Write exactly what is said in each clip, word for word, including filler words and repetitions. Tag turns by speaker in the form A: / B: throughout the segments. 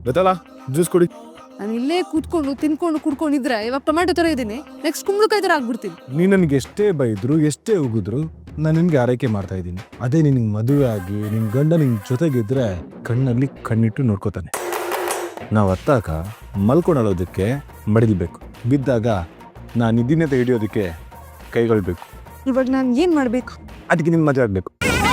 A: ಬೇತಾಳ juice ಕುಡಿ.
B: ನಾನು ಇಲ್ಲೇ ಕೂತ್ಕೊಂಡು ತಿನ್ಕೊಂಡು ಕುಡ್ಕೊಂಡಿದ್ರೆ ಇವಾಗ ಟೊಮ್ಯಾಟೊ ತರ ಇದ್ದೀನಿ, ನೆಕ್ಸ್ಟ್ ಕುಂಬಳಕಾಯಿ ತರ ಆಗ್ಬಿಡ್ತೀನಿ.
A: ನೀ ನನಗೆ ಎಷ್ಟೇ ಬೈದ್ರು ಎಷ್ಟೇ ಉಗಿದ್ರು ನಾನು ನಿನ್ಗೆ ಆರೈಕೆ ಮಾಡ್ತಾ ಇದ್ದೀನಿ. ಅದೇ ನಿನಗೆ ಮದುವೆ ಆಗಿ ನಿನ್ ಗಂಡ ನಿನ್ ಜೊತೆಗಿದ್ರೆ ಕಣ್ಣಲ್ಲಿ ಕಣ್ಣಿಟ್ಟು ನೋಡ್ಕೋತಾನೆ. ನಾವು ಹತ್ತಾಗ ಮಲ್ಕೊಂಡೋದಕ್ಕೆ ಮಡಿಲ್ಬೇಕು, ಬಿದ್ದಾಗ ನಾನು ಇದ್ದೀನಂತ ಹಿಡಿಯೋದಕ್ಕೆ ಕೈಗೊಳ್ಬೇಕು.
B: ಇವಾಗ ನಾನು ಏನ್ ಮಾಡ್ಬೇಕು?
A: ಅದಕ್ಕೆ ನಿನ್ ಮದುವೆ ಆಗ್ಬೇಕು.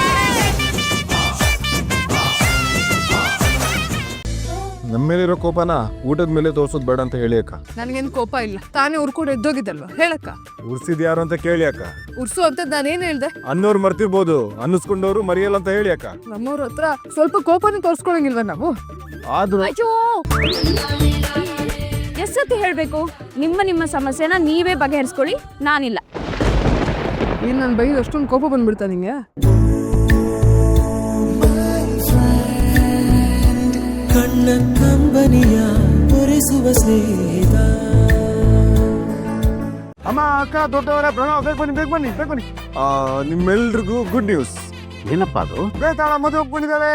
A: ನಮ್ಮ ಮೇಲಿರೋ ಕೋಪನ ಊಟದ ಮೇಲೆ ತೋರ್ಸೋದು ಬೇಡ ಅಂತ ಹೇಳಿ ಅಕ್ಕ.
B: ನನಗೇನು ಕೋಪ ಇಲ್ಲ, ತಾನೇ ಉರ್ಕೊಂಡು ಎದ್ದೋಗಿದ್ದಲ್ವ, ಹೇಳಕ್ಕ.
A: ಉರ್ಸಿದ್ ಯಾರು ಅಂತ ಕೇಳಿ ಅಕ್ಕ.
B: ಉರ್ಸು ಅಂತ ನಾನೇನ್ ಹೇಳ್ದೆ?
A: ಅನ್ನೋರು ಮರ್ತಿರ್ಬೋದು, ಅನ್ನಿಸ್ಕೊಂಡವ್ರು ಮರೆಯಲ್ಲ ಅಂತ ಹೇಳಿ ಅಕ್ಕ.
B: ನಮ್ಮವ್ರ ಹತ್ರ ಸ್ವಲ್ಪ ಕೋಪನ ತೋರ್ಸ್ಕೊಳಂಗಿಲ್ವ ನಾವು?
A: ಆದ್ರೂ
C: ಅಯ್ಯೋ, ಎಷ್ಟೊತ್ತಿ ಹೇಳ್ಬೇಕು? ನಿಮ್ಮ ನಿಮ್ಮ ಸಮಸ್ಯೆನ ನೀವೇ ಬಗೆಹರಿಸ್ಕೊಳ್ಳಿ, ನಾನಿಲ್ಲ.
B: ಏನ್ ನಾನು ಬೈದು ಅಷ್ಟೊಂದು ಕೋಪ ಬಂದ್ಬಿಡ್ತಾ ನಿಂಗೆ?
D: ಕಣ್ಣ ಕಂಬನಿಯ ಒರೆಸುವ ಸ್ನೇಹಿತ.
A: ಅಮ್ಮ, ಅಕ್ಕ, ದೊಡ್ಡವರ ಪ್ರಣವ್, ಬೇಗ ಬನ್ನಿ ಬೇಗ ಬನ್ನಿ ಬೇಗ ಬನ್ನಿ. ನಿಮ್ಮೆಲ್ರಿಗೂ ಗುಡ್ ನ್ಯೂಸ್.
E: ಏನಪ್ಪ ಅದು?
A: ಬೇತಾಳ ಮದುವೆ ಒಪ್ಕೊಂಡಿದ್ದಾರೆ.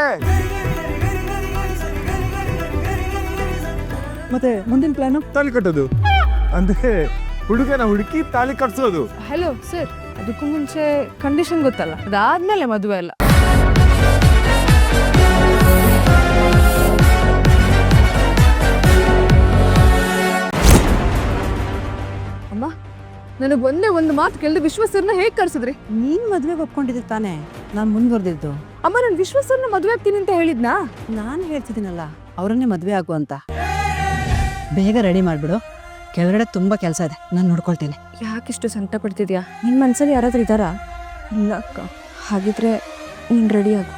B: ಮತ್ತೆ ಮುಂದಿನ ಪ್ಲಾನು?
A: ತಾಳಿ ಕಟ್ಟೋದು, ಅಂದ್ರೆ ಹುಡುಗನ ಹುಡುಕಿ ತಾಳಿ ಕಟ್ಸೋದು.
B: ಹಲೋ ಸರ್, ಅದಕ್ಕೂ ಮುಂಚೆ ಕಂಡೀಷನ್ ಗೊತ್ತಲ್ಲ, ಅದಾದ್ಮೇಲೆ ಮದುವೆ ಅಲ್ಲ. ಅಮ್ಮ, ನನಗೆ ಒಂದೇ ಒಂದು ಮಾತು ಕೇಳಿದ್ರೆ ವಿಶ್ವಸರ್ನ ಹೇಗೆ ಕರ್ಸಿದ್ರಿ?
F: ನೀನ್ ಮದ್ವೆಗೆ ಒಪ್ಕೊಂಡಿದ್ದೆ ತಾನೇ ನಾನು ಮುಂದುವರೆದಿದ್ದು.
B: ಅಮ್ಮ, ನಾನು ವಿಶ್ವಸರ್ನ ಮದುವೆ ಆಗ್ತೀನಿ ಅಂತ ಹೇಳಿದ್ನಾ?
F: ನಾನು ಹೇಳ್ತಿದ್ದೀನಲ್ಲ ಅವರನ್ನೇ ಮದ್ವೆ ಆಗು ಅಂತ. ಬೇಗ ರೆಡಿ ಮಾಡ್ಬಿಡು, ಕೆಳಗಡೆ ತುಂಬಾ ಕೆಲಸ ಇದೆ, ನಾನು ನೋಡ್ಕೊಳ್ತೀನಿ.
C: ಯಾಕಿಷ್ಟು ಸಂಕಟ ಪಡ್ತಿದ್ಯಾ? ನಿನ್ನ ಮನ್ಸಲ್ಲಿ ಯಾರಾದ್ರೂ ಇದ್ದಾರಾ? ಇಲ್ಲ ಅಕ್ಕ. ಹಾಗಿದ್ರೆ ನೀನು ರೆಡಿ ಆಗು.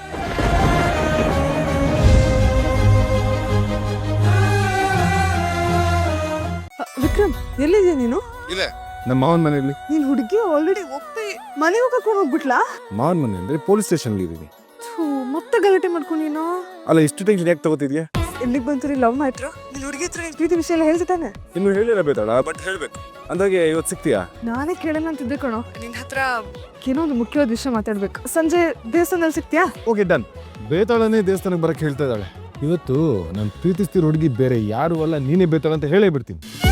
B: ವಿಕ್ರಮ್, ಎಲ್ಲಿದ್ಯಾ ನೀನು?
A: ನಮ್ಮ ಮಾವನ ಮನೆಯಲ್ಲಿ.
B: ನೀನ್ ಹುಡುಗಿ ಆಲ್ರೆಡಿ ಒಪ್ಪಿ ಮನೆಗೆ ಕರ್ಕೊಂಡು ಹೋಗ್ಬಿಟ್ಲಾ?
A: ಮಾವನ ಮನೆ ಅಂದ್ರೆ ಪೊಲೀಸ್ ಸ್ಟೇಷನ್ ಇದೀವಿ.
B: ಮತ್ತೆ ಗಲಾಟೆ ಮಾಡ್ಕೊಂಡು ನೀನು
A: ಅಲ್ಲ, ಇಷ್ಟು ಟೆನ್ಷನ್ ಯಾಕೆ ತಗೋತಿದ್ಯಾ?
B: ಎಲ್ಲಿಗೆ ಬಂತು ಲವ್ ಮಾಡ್ರು? ನಿನ್ ಹುಡುಗಿ ಹತ್ರ ಪ್ರೀತಿ ವಿಷಯ ಎಲ್ಲ ಹೇಳ್ತಿದ್ದಾನೆ.
A: ಇನ್ನು ಹೇಳಿಲ್ಲ ಬೇತಾಳ, ಬಟ್ ಹೇಳ್ಬೇಕು. ಅಂದಾಗೆ ಇವತ್ತು ಸಿಗ್ತೀಯಾ?
B: ನಾನೇ ಕೇಳಲ್ಲ ಅಂತಿದ್ದೆ ಕಣೋ. ನಿನ್ ಹತ್ರ ಏನೋ ಒಂದು ಮುಖ್ಯವಾದ ವಿಷಯ ಮಾತಾಡ್ಬೇಕು. ಸಂಜೆ ದೇವಸ್ಥಾನದಲ್ಲಿ ಸಿಗ್ತೀಯಾ?
A: Okay, done. ಬೇತಾಳನೇ ದೇವಸ್ಥಾನಕ್ಕೆ ಬರಕ್ಕೆ ಹೇಳ್ತಾ ಇದ್ದಾಳೆ. ಇವತ್ತು ನಾನು ಪ್ರೀತಿಸ್ತಿರೋ ಹುಡುಗಿ ಬೇರೆ ಯಾರು ಅಲ್ಲ, ನೀನೇ ಬೇತಾಳ ಅಂತ ಹೇಳೇ ಬಿಡ್ತೀನಿ.